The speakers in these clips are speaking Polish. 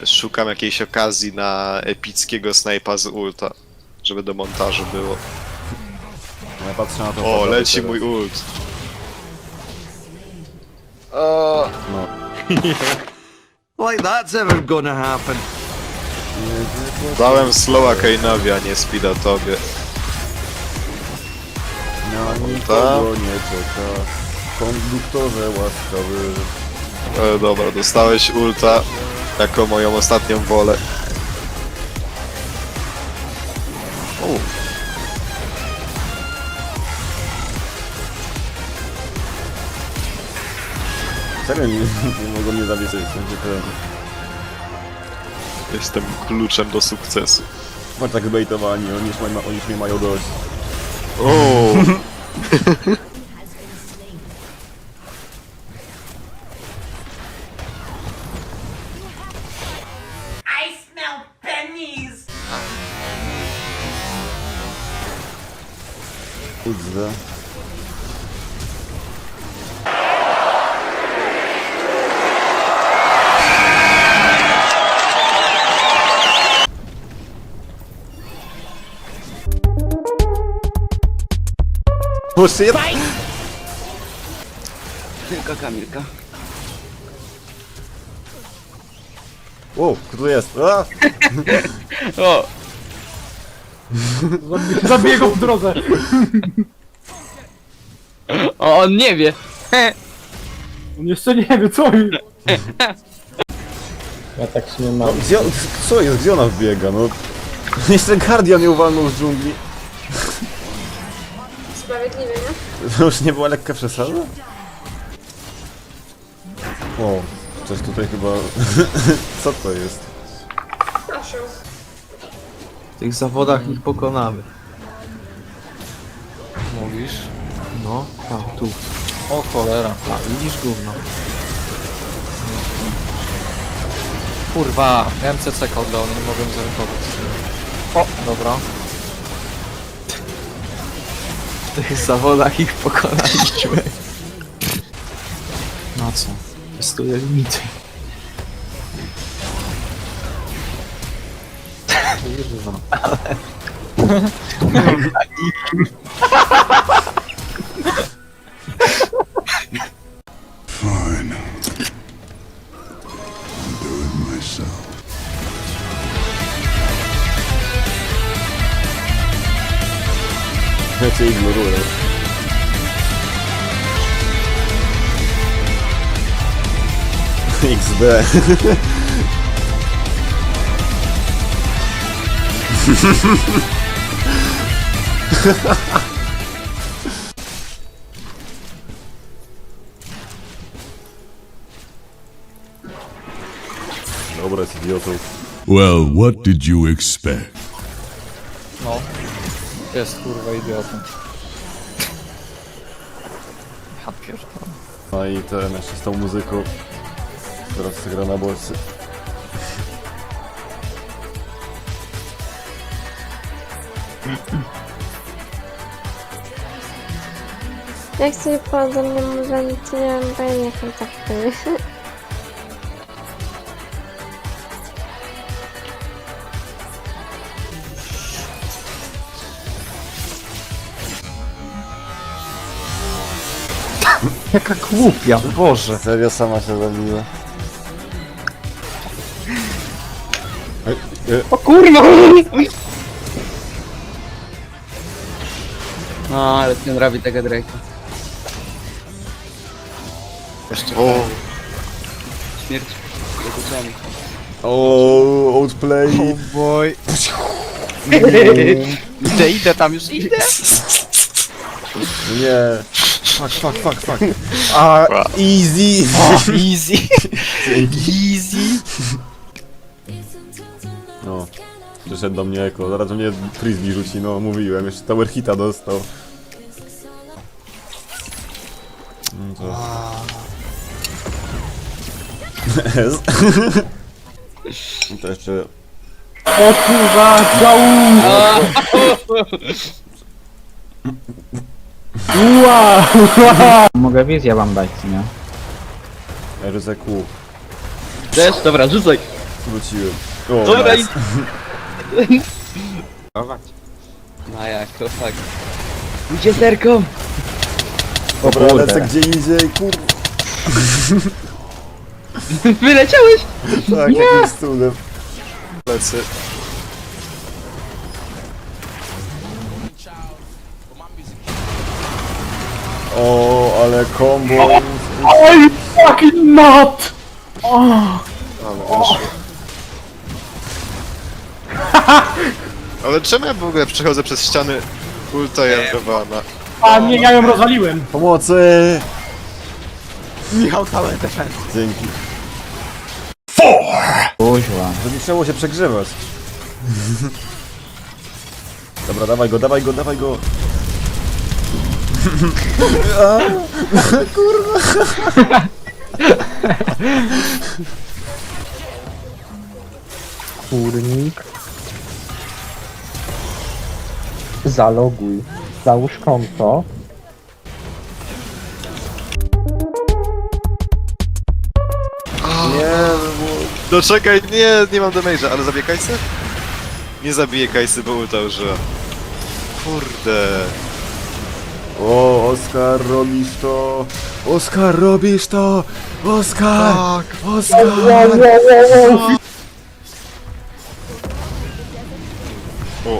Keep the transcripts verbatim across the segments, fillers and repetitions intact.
szukam jakiejś okazji na epickiego snajpa z ulta, żeby do montażu było. No ja patrzę na to. O, pogody leci teraz. mój ult. No. Like that's ever gonna happen. Dałem slowa Kane'owi, a nie speeda tobie. No nikogo nie czeka. Konduktorze łaskawy. E, dobra, dostałeś ulta jako moją ostatnią wolę. U. Serio nie, nie mogą mnie zawieszyć, będzie ten... Jestem kluczem do sukcesu. Masz tak bejtowani, oni już, ma, oni już mnie mają dość. O. I smell pennies! Udzę. Jeszcze jedna... Tylko Kamilka. Wow, kto tu jest? A! O! Zabiję go w drodze! O, on nie wie! On jeszcze nie wie co mi... Ja tak się nie No, mam. gdzie, on- co jest? Gdzie ona wbiega? No... Jeszcze Guardian ją walnął z dżungli. Sprawiedliwie, nie? To już nie była lekka przesada? O, coś tutaj chyba... Co to jest? Proszę. W tych zawodach ich pokonamy. Mówisz? No, tam, tu. O cholera. A, widzisz gówno. Kurwa, miałem C C cooldown, nie mogłem zareagować. O, dobra. W tych zawodach ich pokonaliśmy. Na co? Testuję limity. Ja cię ignoruję. iks de. Dobra, jest idiotą. Well, what did you expect? No. Jest kurwa idiotą. Ja pierdolę. No i ten jeszcze z tą muzyką. Teraz gra na bocy. Jak sobie pode mnie mówią, to nie mam pojęcia kontakty. Jaka głupia, Boże. Serio sama się zabiła. Ej, e, O kurwa! No, ale ten robi tego Drake'a. O. Śmierć. Dokuczami. O, outplay. Boy. Idę, idę tam już, idę. Nie. Fuck, fuck, fuck, fuck. A, easy. Easy. Easy. No, przyszedł do mnie Eko, zaraz mnie frisbee rzuci, no mówiłem, jeszcze tower hita dostał. No to... S. To jeszcze... O kurwa, ciao! Ua! Mogę wizję wam dać, nie? R Z Q. Też, dobra, rzucaj. Wróciłem. O, Dobra, nice. Maja, krosak. Gdzie zerką? Dobra, lecę gdzie indziej, kurwa. Wyleciałeś! Tak, jakimś cudem. Plecy. O, ale combo. Oj, fucking not! Ale weszło. Ale czemu ja w ogóle przechodzę przez ściany ulta Jandrowana? A nie, ja ją rozwaliłem. Pomocy! Michał całe defense. Dzięki. Kuźwa. To nie chciało się przegrzewać. Dobra, dawaj go, dawaj go, dawaj go. A, kurwa. Kurnik. Zaloguj. Załóż konto. Nie, No czekaj, nie, nie mam damage'a, ale zabiję Kajsę? Nie zabiję Kajsy, bo ulta użyła. Kurde. o, Oskar, robisz to. Oskar, robisz to. Oskar, Oskar. O.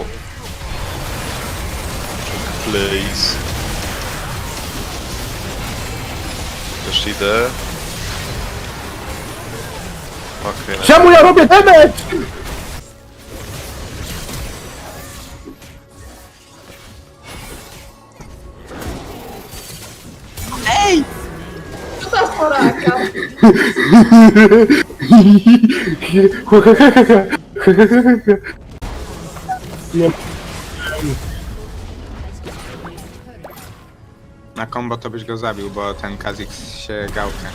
Please. Już idę. Okej, okay, Czemu ja robię damage? Co to jest poraka? Na combo to byś go zabił, bo ten Kha'Zix się gałkę.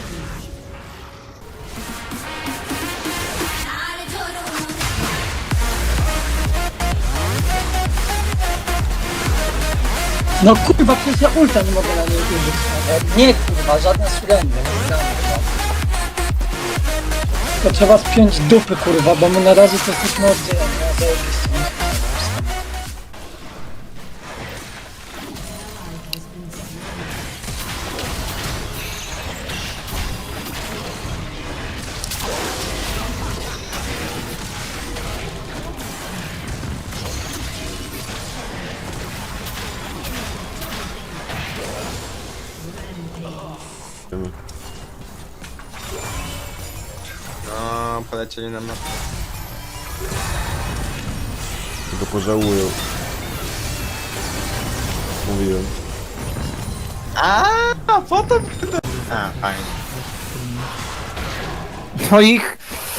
No kurwa, przecież ja ulta nie mogę na niej użyć. Nie kurwa, żadne surrender, nie gramy chyba. To trzeba spiąć dupy kurwa, bo my na razie to jesteśmy oddzieleni, a zajebiście. No, polecieli nam na... Tego pożałują. Mówiłem. A potem... A, fajnie. No ich...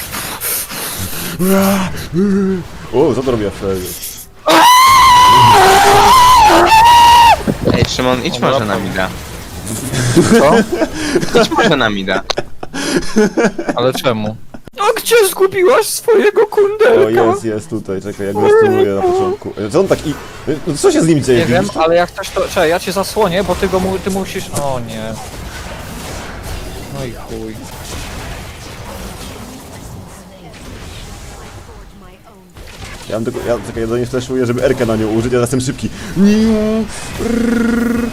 O, co to robię wtedy? Ej, Szymon, idź może na mida. Co? Idź może na mida. Ale czemu? A gdzie zgubiłaś swojego O, kundelka? jest, jest tutaj, czekaj, ja go stunuję na początku. E, Co on tak i... e, Co się z nim dzieje? Nie wiem, widzisz to? ale jak chcesz to... Czekaj, ja cię zasłonię, bo ty go mu... ty musisz... O nie. No i chuj. Ja mam tylko... Ja, czekaj, ja do niej flashuję, żeby R-kę na nią użyć, ja jestem szybki. Niu, rrrr.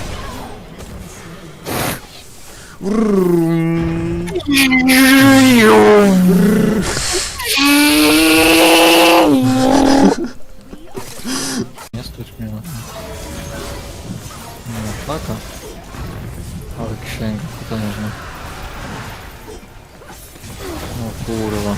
Nie stać mnie na tym. Nie ma flaka. Ale księga, to można. O kurwa.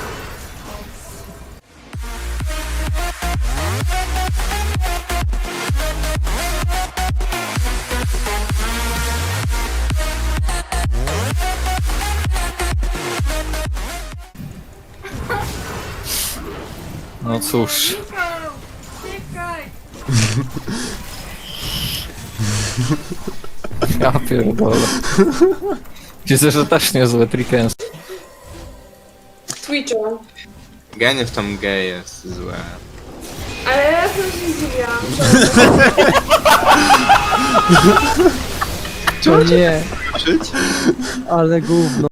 No cóż. Ja pierdolę. Widzę, że też niezłe trickens. Twitcha. Genie w tą G jest złe. Ale ja też się zdziwiłam. To nie. Ale gówno.